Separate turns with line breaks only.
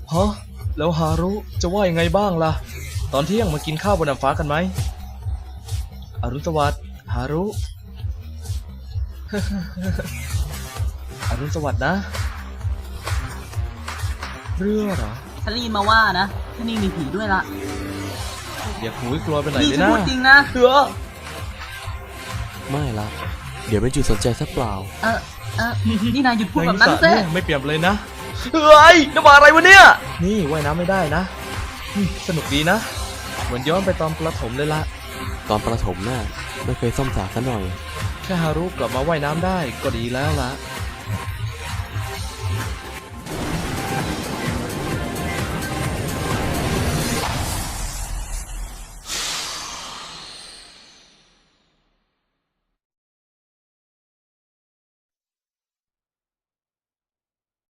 ฮะแล้วฮารุจะว่ายังไงบ้างล่ะตอนเที่ยงมากินข้าวบนน้ำฟ้ากันไหมอรุณสวัสดิ์ฮารุ อรุณสวัสดิ์นะเรือเหรอ
ฉันได้ยินมาว่านะที่นี่มีผีด้วยละ
อย่าหูยกลัวไปไหน
นี่
เลย
ฉัน
นะ
พูดจริงนะ
เรือ
ไม่ละเดี๋ยวเป็นจุดสนใจซะเปล่า
นี่นายหยุดพูดแบบนั้น
สระ
เซ่
เนี่ยไม่เปรียบเลยนะเฮ้ยน้ำมาอะไรวะเนี่ยนี่ว่ายน้ำไม่ได้นะสนุกดีนะเหมือนย้อนไปตอนประถมเลยละ
ตอนประถมน่ะไม่เคยซ่อมสระซะหน่อย
แค่ฮารุกลับมาว่ายน้ำได้ก็ดีแล้วละ